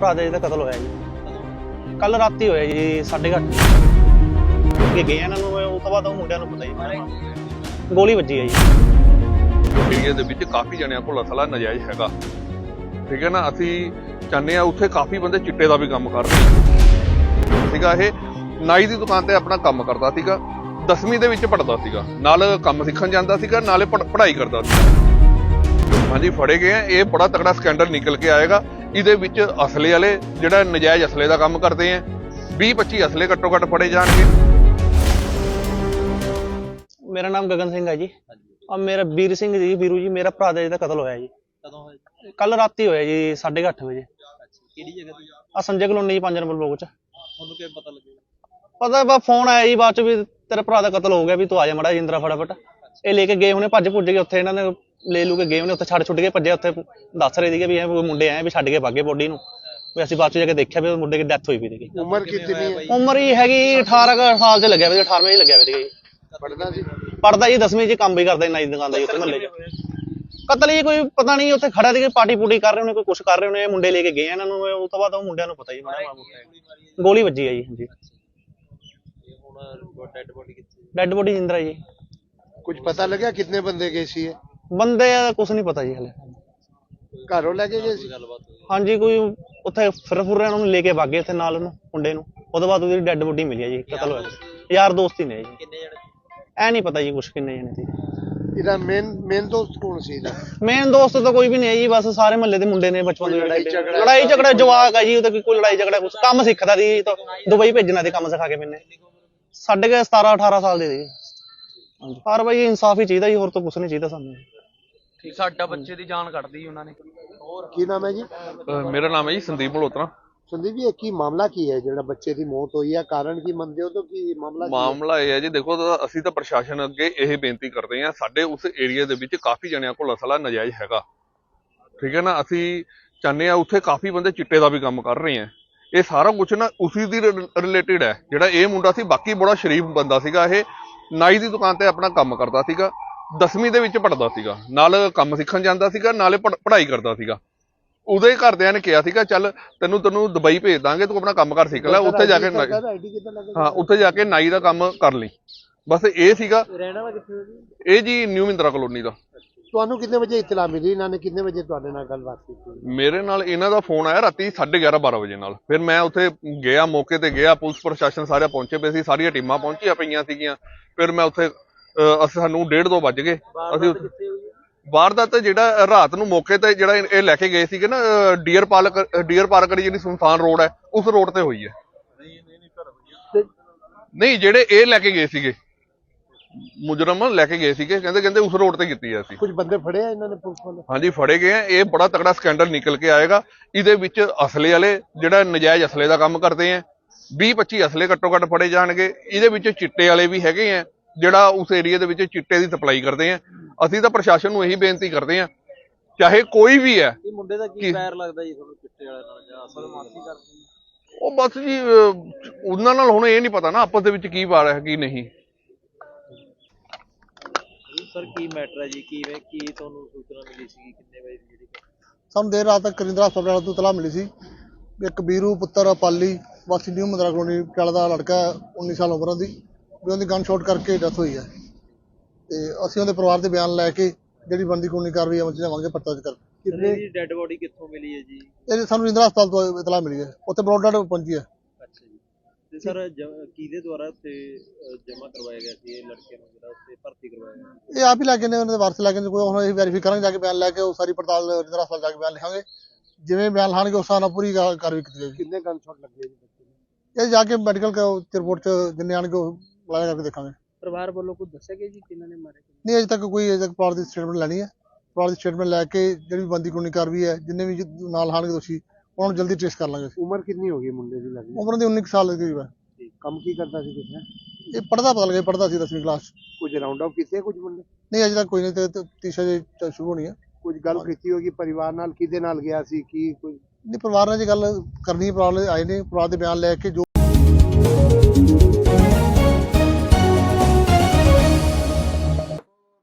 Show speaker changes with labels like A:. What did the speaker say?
A: ਭਰਾ ਦਾ ਜਿਹਦਾ ਕਤਲ ਹੋਇਆ ਜੀ ਕੱਲ ਰਾਤੀ ਹੋਇਆ ਜੀ 8:30 ਕਿ ਗਏ ਇਹਨਾਂ ਨੂੰ ਉਸ ਤੋਂ ਬਾਅਦ ਉਹ ਮੁੰਡਿਆਂ ਨੂੰ ਪਤਾ ਜੀ ਗੋਲੀ ਵੱਜੀ ਹੈ ਜੀ।
B: ਏਰੀਏ ਦੇ ਵਿੱਚ ਕਾਫੀ ਜਣਿਆਂ ਕੋਲ ਅਸਲਾ ਨਜਾਇਜ਼ ਹੈਗਾ, ਠੀਕ ਹੈ ਨਾ। ਅਸੀਂ ਚਾਹੁੰਦੇ ਆ ਉੱਥੇ ਕਾਫੀ ਬੰਦੇ ਚਿੱਟੇ ਦਾ ਵੀ ਕੰਮ ਕਰ ਰਹੇ ਸੀਗਾ। ਇਹ ਨਾਈ ਦੀ ਦੁਕਾਨ ਤੇ ਆਪਣਾ ਕੰਮ ਕਰਦਾ ਸੀਗਾ, 10ਵੀਂ ਦੇ ਵਿੱਚ ਪੜ੍ਹਦਾ ਸੀਗਾ, ਨਾਲ ਕੰਮ ਸਿੱਖਣ ਜਾਂਦਾ ਸੀਗਾ, ਨਾਲੇ ਪੜ੍ਹਾਈ ਕਰਦਾ ਸੀ। ਹਾਂਜੀ ਫੜੇ ਗਏ ਆ। ਇਹ ਬੜਾ ਤਕੜਾ ਸਕੈਂਡਲ ਨਿਕਲ ਕੇ ਆਏਗਾ। ਇਹਦੇ ਵਿੱਚ ਅਸਲੇ ਵਾਲੇ ਜਿਹੜਾ ਨਜਾਇਜ਼ ਅਸਲੇ ਦਾ ਕੰਮ ਕਰਦੇ ਆ 20-25 ਅਸਲੇ ਘੱਟੋ ਘੱਟ ਫੜੇ ਜਾਣਗੇ।
A: ਮੇਰਾ ਨਾਮ ਗਗਨ ਸਿੰਘ ਹੈ ਜੀ। ਆ ਮੇਰਾ ਵੀਰ ਸਿੰਘ ਜੀ, ਵੀਰੂ ਜੀ, ਮੇਰਾ ਭਰਾ ਦਾ ਜਿਹਦਾ ਕਤਲ ਹੋਇਆ ਜੀ
C: ਕਦੋਂ ਹੋਇਆ?
A: ਕੱਲ ਰਾਤੀ ਹੋਇਆ ਜੀ 8:30 ਵਜੇ।
C: ਕਿਹੜੀ ਜਗ੍ਹਾ ਤੇ?
A: ਆ ਸੰਜੇ ਕਲੋਨੀ 5 ਨੰਬਰ ਬਲੋਕ ਚ।
C: ਤੁਹਾਨੂੰ ਕਿਵੇਂ ਪਤਾ ਲੱਗੇਗਾ?
A: ਪਤਾ ਬਾ ਫੋਨ ਆਇਆ ਜੀ ਬਾਅਦ ਚ ਵੀ ਤੇਰੇ ਭਰਾ ਦਾ ਕਤਲ ਹੋ ਗਿਆ, ਵੀ ਤੂੰ ਆ ਜਾ ਮਾੜਾ ਜਿੰਦਰਾ ਫਟਾਫਟ। ਇਹ ਲੈ ਕੇ ਗਏ ਉਹਨੇ, ਭੱਜ ਭੁੱਜ ਕੇ ਉੱਥੇ ਇਹਨਾਂ ਨੇ ਲੈ ਲੂ ਕੇ ਗਏ ਉਹਨੇ, ਉੱਥੇ ਛੱਡ ਕੇ ਭੱਜੇ। ਉੱਥੇ ਦੱਸ ਰਹੇ ਸੀਗੇ ਵੀ ਇਹ ਮੁੰਡੇ ਆਏ ਵੀ ਛੱਡ ਕੇ ਭਾਗੇ ਬੋਡੀ ਨੂੰ। ਵੀ ਅਸੀਂ ਬਾਅਦ ਚ ਜਾ ਕੇ ਦੇਖਿਆ ਵੀ ਮੁੰਡੇ ਦੀ ਡੈਥ ਹੋਈ ਵੀ ਸੀਗੀ।
C: ਉਮਰ ਕਿੰਨੀ ਹੈ?
A: ਉਮਰ ਹੀ ਹੈਗੀ 18 ਸਾਲ ਚ ਲੱਗਿਆ ਵੀ, 18ਵੇਂ ਚ ਲੱਗਿਆ ਵੀ ਸੀਗਾ ਜੀ।
C: ਪੜਦਾ ਸੀ?
A: ਪੜਦਾ ਜੀ 10ਵੀਂ ਚ, ਕੰਮ ਵੀ ਕਰਦਾ ਨਾਈ ਦੀ ਦੁਕਾਨ ਦਾ ਜੀ ਉੱਥੇ ਮਹੱਲੇ ਚ। ਕਤਲ ਹੀ ਕੋਈ ਪਤਾ ਨਹੀਂ, ਉੱਥੇ ਖੜਾ ਸੀ ਪਾਰਟੀ ਪੂਟੀ ਕਰ ਰਹੇ ਹੋਣੇ, ਕੋਈ ਕੁਛ ਕਰ ਰਹੇ ਹੋਣੇ। ਇਹ ਮੁੰਡੇ ਲੈ ਕੇ ਗਏ ਇਹਨਾਂ ਨੂੰ, ਉਸ ਤੋਂ ਬਾਅਦ ਉਹ ਮੁੰਡਿਆਂ ਨੂੰ ਪਤਾ ਜੀ ਗੋਲੀ ਵੱਜੀ ਹੈ ਜੀ। ਹਾਂਜੀ
C: ਡੈਡ ਬੋਡੀ ਕਿੱਥੇ?
A: Dead body Jindra ji.
D: कुछ पता लगा कितने बंदे गए सी है?
A: ਬੰਦੇ ਕੁਛ ਨਹੀਂ ਪਤਾ ਜੀ ਹਲੇ।
D: घरों लेके गए सी?
A: ਹਾਂਜੀ ਕੋਈ ਉੱਥੇ ਫਿਰ ਰਹੇ ਉਹਨਾਂ ਨੂੰ ਲੈ ਕੇ ਭਾਗੇ ਉੱਥੇ ਨਾਲ ਉਹਨੂੰ ਮੁੰਡੇ ਨੂੰ। ਉਹਦੇ ਬਾਅਦ ਉਹਦੀ ਡੈਡ ਬੋਡੀ ਮਿਲੀ ਹੈ ਜੀ। ਕਤਲ ਹੋਇਆ ਯਾਰ ਦੋਸਤ ਹੀ ਨੇ ਜੀ।
C: ਕਿੰਨੇ ਜਣੇ?
A: ਐ ਨਹੀਂ ਪਤਾ ਜੀ ਕੁਛ ਕਿੰਨੇ ਜਣੇ ਸੀ।
D: इधर मेन दोस्त कौन सी इधर?
A: ਮੇਨ ਦੋਸਤ ਤਾਂ ਕੋਈ ਵੀ ਨਹੀਂ ਹੈ ਜੀ, ਬਸ ਸਾਰੇ ਮਹੱਲੇ ਦੇ ਮੁੰਡੇ ਨੇ ਬਚਪਨ ਤੋਂ ਲੜਾਈ ਝਗੜਾ ਜਵਾਕ ਹੈ ਜੀ। ਉਹਦਾ ਕੋਈ ਲੜਾਈ ਝਗੜਾ ਕੁਛ ਕੰਮ ਸਿੱਖਦਾ ਸੀ ਤਾਂ ਦੁਬਈ ਭੇਜਣਾ ਸੀ ਕੰਮ ਸਿਖਾ ਕੇ ਮੈਨੇ। ਸਾਡੇ ਕੇ 17-18 ਸਾਲ ਦੇ ਸੀ। ਹਾਂਜੀ ਪਰ ਬਾਈ ਇਨਸਾਫ ਹੀ ਚਾਹੀਦਾ ਜੀ, ਹੋਰ ਤਾਂ ਕੁਛ ਨਹੀਂ ਚਾਹੀਦਾ ਸਾਨੂੰ।
C: ਸਾਡਾ ਬੱਚੇ ਦੀ ਜਾਨ ਕੱਢਦੀ ਉਹਨਾਂ ਨੇ।
D: की नाम है जी?
B: ਮੇਰਾ ਨਾਮ ਹੈ ਜੀ ਸੰਦੀਪ ਮਲਹੋਤਰਾ।
D: संदीप जी की मामला की है जो बच्चे की मौत हुई है, कारण की मनते हो तो की मामला?
B: ਮਾਮਲਾ ਇਹ ਹੈ ਜੀ, ਦੇਖੋ ਅਸੀਂ ਤਾਂ ਪ੍ਰਸ਼ਾਸਨ ਅੱਗੇ ਇਹ ਬੇਨਤੀ ਕਰਦੇ ਹਾਂ, ਸਾਡੇ ਉਸ ਏਰੀਆ ਦੇ ਵਿੱਚ ਕਾਫੀ ਜਣਿਆਂ ਕੋਲ ਅਸਲਾ ਨਜਾਇਜ਼ ਹੈਗਾ, ਠੀਕ ਹੈ ਨਾ। ਅਸੀਂ ਚਾਹੁੰਦੇ ਆ ਉੱਥੇ ਕਾਫੀ ਬੰਦੇ ਚਿੱਟੇ ਦਾ ਵੀ ਕੰਮ ਕਰ ਰਹੇ ਆ। ਇਹ ਸਾਰਾ ਕੁਝ ਨਾ ਉਸੇ ਦੀ ਰਿਲੇਟਡ ਹੈ। ਜਿਹੜਾ ਇਹ ਮੁੰਡਾ ਸੀ ਬਾਕੀ ਬੜਾ ਸ਼ਰੀਫ ਬੰਦਾ ਸੀਗਾ। ਇਹ ਨਾਈ ਦੀ ਦੁਕਾਨ ਤੇ ਆਪਣਾ ਕੰਮ ਕਰਦਾ ਸੀਗਾ, 10ਵੀਂ ਦੇ ਵਿੱਚ ਪੜ੍ਹਦਾ ਸੀਗਾ, ਨਾਲ ਕੰਮ ਸਿੱਖਣ ਜਾਂਦਾ ਸੀਗਾ, ਨਾਲੇ ਪੜ੍ਹਾਈ ਕਰਦਾ ਸੀਗਾ। ਉਹਦੇ ਘਰਦਿਆਂ ਨੇ ਕਿਹਾ ਸੀਗਾ ਚੱਲ ਤੈਨੂੰ ਦੁਬਈ ਭੇਜ ਦਾਂਗੇ, ਤੂੰ ਆਪਣਾ ਕੰਮ ਕਰ ਸਿੱਖ ਲੈ, ਉੱਥੇ ਜਾ ਕੇ ਹਾਂ ਉੱਥੇ ਜਾ ਕੇ ਨਾਈ ਦਾ ਕੰਮ ਕਰ ਲਈ। ਬਸ ਇਹ ਸੀਗਾ।
C: ਰਹਿਣਾ ਵਾ ਕਿੱਥੇ?
B: ਇਹ ਜੀ ਨਿਊ ਮਿੰਦਰਾ ਕਲੋਨੀ ਦਾ।
D: ਤੁਹਾਨੂੰ ਕਿੰਨੇ ਵਜੇ ਇਤਲਾ ਮਿਲੀ? ਇਹਨਾਂ ਨੇ ਕਿੰਨੇ ਵਜੇ ਤੁਹਾਡੇ ਨਾਲ ਗੱਲਬਾਤ ਕੀਤੀ?
B: ਮੇਰੇ ਨਾਲ ਇਹਨਾਂ ਦਾ ਫੋਨ ਆਇਆ ਰਾਤੀ 11:30-12 ਵਜੇ ਨਾਲ। ਫਿਰ ਮੈਂ ਉੱਥੇ ਗਿਆ, ਮੌਕੇ ਤੇ ਗਿਆ, ਪੁਲਿਸ ਪ੍ਰਸ਼ਾਸਨ ਸਾਰੇ ਪਹੁੰਚੇ ਪਏ ਸੀ, ਸਾਰੀਆਂ ਟੀਮਾਂ ਪਹੁੰਚੀਆਂ ਪਈਆਂ ਸੀਗੀਆਂ। ਫਿਰ ਮੈਂ ਉੱਥੇ ਸਾਨੂੰ 1:30-2 ਵੱਜ ਗਏ। ਅਸੀਂ ਵਾਰਦਾਤ ਜਿਹੜਾ ਰਾਤ ਨੂੰ ਮੌਕੇ ਤੇ ਜਿਹੜਾ ਇਹ ਲੈ ਕੇ ਗਏ ਸੀਗੇ ਨਾ ਡੀਅਰ ਪਾਰਕ ਜਿਹੜੀ ਸੁਨਸਾਨ ਰੋਡ ਹੈ, ਉਸ ਰੋਡ ਤੇ ਹੋਈ ਹੈ। ਨਹੀਂ ਜਿਹੜੇ ਇਹ ਲੈ ਕੇ ਗਏ ਸੀਗੇ ਮੁਜਰਮ ਲੈ ਕੇ ਗਏ ਸੀਗੇ, ਕਹਿੰਦੇ ਉਸ ਰੋਡ ਤੇ ਕੀਤੀ ਹੈ। ਅਸੀਂ
D: ਕੁਝ ਬੰਦੇ ਫੜੇ ਆ ਇਹਨਾਂ ਨੇ ਪੁਲਿਸ ਵਾਲੇ?
B: ਹਾਂਜੀ ਫੜੇ ਗਏ ਆ। ਇਹ ਬੜਾ ਤਕੜਾ ਸਕੈਂਡਲ ਨਿਕਲ ਕੇ ਆਏਗਾ। ਇਹਦੇ ਵਿੱਚ ਅਸਲੇ ਵਾਲੇ ਜਿਹੜਾ ਨਜਾਇਜ਼ ਅਸਲੇ ਦਾ ਕੰਮ ਕਰਦੇ ਆ 20-25 ਅਸਲੇ ਘੱਟੋ ਘੱਟ ਫੜੇ ਜਾਣਗੇ। ਇਹਦੇ ਵਿੱਚ ਚਿੱਟੇ ਵਾਲੇ ਵੀ ਹੈਗੇ ਆ, ਜਿਹੜਾ ਉਸ ਏਰੀਆ ਦੇ ਵਿੱਚ ਚਿੱਟੇ ਦੀ ਸਪਲਾਈ ਕਰਦੇ ਆ। ਅਸੀਂ ਤਾਂ ਪ੍ਰਸ਼ਾਸਨ ਨੂੰ ਇਹੀ ਬੇਨਤੀ ਕਰਦੇ ਆ, ਚਾਹੇ ਕੋਈ ਵੀ ਹੈ।
C: ਇਹ ਮੁੰਡੇ ਦਾ ਕੀ ਪੈਰ ਲੱਗਦਾ ਜੀ ਤੁਹਾਨੂੰ ਚਿੱਟੇ ਵਾਲੇ ਨਾਲ, ਜਾਂ ਅਸਲ ਮਾਫੀ ਕਰਦੀ?
B: ਉਹ ਬਸ ਜੀ ਉਹਨਾਂ ਨਾਲ ਹੁਣ ਇਹ ਨਹੀਂ ਪਤਾ ਨਾ ਆਪਸ ਦੇ ਵਿੱਚ ਕੀ ਵਾਰ ਹੈ ਕੀ ਨਹੀਂ।
C: ਸਰ ਕੀ ਮੈਟਰ ਹੈ ਜੀ? ਕੀ ਤੁਹਾਨੂੰ ਸੂਚਨਾ ਮਿਲੀ ਸੀ? ਕਿੰਨੇ ਵਜੇ ਦੀ ਜਿਹੜੀ?
E: ਸਾਨੂੰ ਦੇਰ ਰਾਤ ਤੱਕ ਕਰਿੰਦਰਾ ਹਸਪਤਾਲ ਤੋਂ ਇਤਲਾਹ ਮਿਲੀ ਸੀ ਵੀ ਇੱਕ ਵੀਰੂ ਪੁੱਤਰ ਪਾਲੀ ਵਾਸੀ ਨਿਊ ਮੰਦਰਾ ਕਲੋਨੀ ਪਟਿਆਲਾ ਦਾ ਲੜਕਾ 19 ਸਾਲ ਉਮਰ ਦੀ, ਵੀ ਉਹਦੀ ਗਨ ਸ਼ਾਟ ਕਰਕੇ ਡੈਥ ਹੋਈ ਹੈ। ਤੇ ਅਸੀਂ ਉਹਦੇ ਪਰਿਵਾਰ ਦੇ ਬਿਆਨ ਲੈ ਕੇ ਜਿਹੜੀ ਬਣਦੀ ਕਾਨੂੰਨੀ ਕਾਰਵਾਈ ਅਮਲ ਚ ਲਿਆਵਾਂਗੇ, ਪਰਚਾ ਦਰਜ ਕਰਕੇ।
C: ਕਿੰਨੀ ਡੈਡ ਬੋਡੀ ਕਿੱਥੋਂ ਮਿਲੀ ਹੈ ਜੀ?
E: ਇਹ ਸਾਨੂੰ ਕਰਿੰਦਰਾ ਹਸਪਤਾਲ ਤੋਂ ਇਤਲਾਹ ਮਿਲੀ ਹੈ, ਉੱਥੇ ਬਰੋਡ ਡੈਡ ਪਹੁੰਚੀ ਹੈ।
C: ਅੱਛਾ ਜੀ। ਤੇ ਸਰ ਕਿਹਦੇ ਦੁਆਰਾ ਉੱਥੇ ਜਮ੍ਹਾਂ ਕਰਵਾਇਆ ਗਿਆ ਸੀ ਇਹ ਲੜਕੇ ਨੂੰ, ਜਿਹੜਾ ਉੱਥੇ ਭਰਤੀ ਕਰਵਾਇਆ ਗਿਆ?
E: ਇਹ ਆਪ ਹੀ ਲੈ ਕੇ ਨੇ, ਉਹਨਾਂ ਦੇ ਵਾਰਸ ਲੈ ਕੇ ਨੇ। ਕੋਈ ਹੁਣ ਅਸੀਂ ਵੈਰੀਫਾਈ ਕਰਾਂਗੇ, ਜਾ ਕੇ ਬਿਆਨ ਲੈ ਕੇ ਉਹ ਸਾਰੀ ਪੜਤਾਲ ਕਰਿੰਦਰਾ ਹਸਪਤਾਲ ਜਾ ਕੇ ਬਿਆਨ ਲਿਖਾਂਗੇ। ਜਿਵੇਂ ਬਿਆਨ ਲਾਣਗੇ ਉਸ ਹਿਸਾਬ ਨਾਲ ਪੂਰੀ ਕਾਰਵਾਈ ਕੀਤੀ ਜਾਏਗੀ।
D: ਕਿੰਨੇ ਗਨ ਸ਼ਾਟ ਲੱਗੇ ਜੀ ਬੱਚੇ ਨੂੰ?
E: ਇਹ ਜਾ ਕੇ ਮੈਡੀਕਲ ਰਿਪੋਰਟ ਚ ਜਿੰਨੇ ਆਣਗੇ ਉਹ ਲਾਇਆ ਕਰਕੇ ਦੇਖਾਂਗੇ।
C: ਪਰਿਵਾਰ ਵੱਲੋਂ ਕੁਝ ਦੱਸਿਆ ਗਿਆ ਜੀ ਕਿਹਨਾਂ ਨੇ ਮਾਰੇ?
E: ਨਹੀਂ ਅਜੇ ਤੱਕ ਪਰਿਵਾਰ ਦੀ ਸਟੇਟਮੈਂਟ ਲੈਣੀ ਹੈ। ਪਰਿਵਾਰ ਦੀ ਸਟੇਟਮੈਂਟ ਲੈ ਕੇ ਜਿਹੜੀ ਬੰਦੀ ਕਾਨੂੰਨੀ ਕਾਰਵਾਈ ਹੈ, ਜਿੰਨੇ ਵੀ ਨਾਲ ਹਾਣਗੇ ਦੋਸ਼ੀ ਉਹਨਾਂ ਨੂੰ ਜਲਦੀ ਟ੍ਰੇਸ ਕਰ ਲਾਂਗੇ।
D: ਉਮਰ ਕਿੰਨੀ ਹੋ ਗਈ ਮੁੰਡੇ ਦੀ ਲੱਗਦੀ?
E: ਉਮਰ ਦੀ 19 ਸਾਲ ਦੇ ਕਰੀਬ ਹੈ।
D: ਕੰਮ ਕੀ ਕਰਦਾ ਸੀ ਕਿਸਨੇ?
E: ਇਹ ਪੜਦਾ ਪਤਾ ਲੱਗਿਆ, ਪੜਦਾ ਸੀ 10ਵੀਂ ਕਲਾਸ।
D: ਕੁਝ ਰਾਉਂਡ ਅਪ ਕੀਤੇ ਕੁਝ ਬੰਦੇ?
E: ਨਹੀਂ ਅਜੇ ਤੱਕ ਕੋਈ ਨਹੀਂ, ਤੇ ਤੀਸਰਾ ਜੇ ਸ਼ੁਰੂ ਹੋਣੀ ਹੈ।
D: ਕੁਝ ਗੱਲ ਕੀਤੀ ਹੋਗੀ ਪਰਿਵਾਰ ਨਾਲ, ਕਿਹਦੇ ਨਾਲ ਗਿਆ ਸੀ ਕੀ ਕੁਝ?
E: ਨਹੀਂ ਪਰਿਵਾਰ ਨਾਲ ਜੇ ਗੱਲ ਕਰਨੀ ਹੈ, ਪਰਿਵਾਰ ਵਾਲੇ ਆਏ ਨੇ, ਪਰਿਵਾਰ ਦੇ ਬਿਆਨ ਲੈ ਕੇ ਜੋ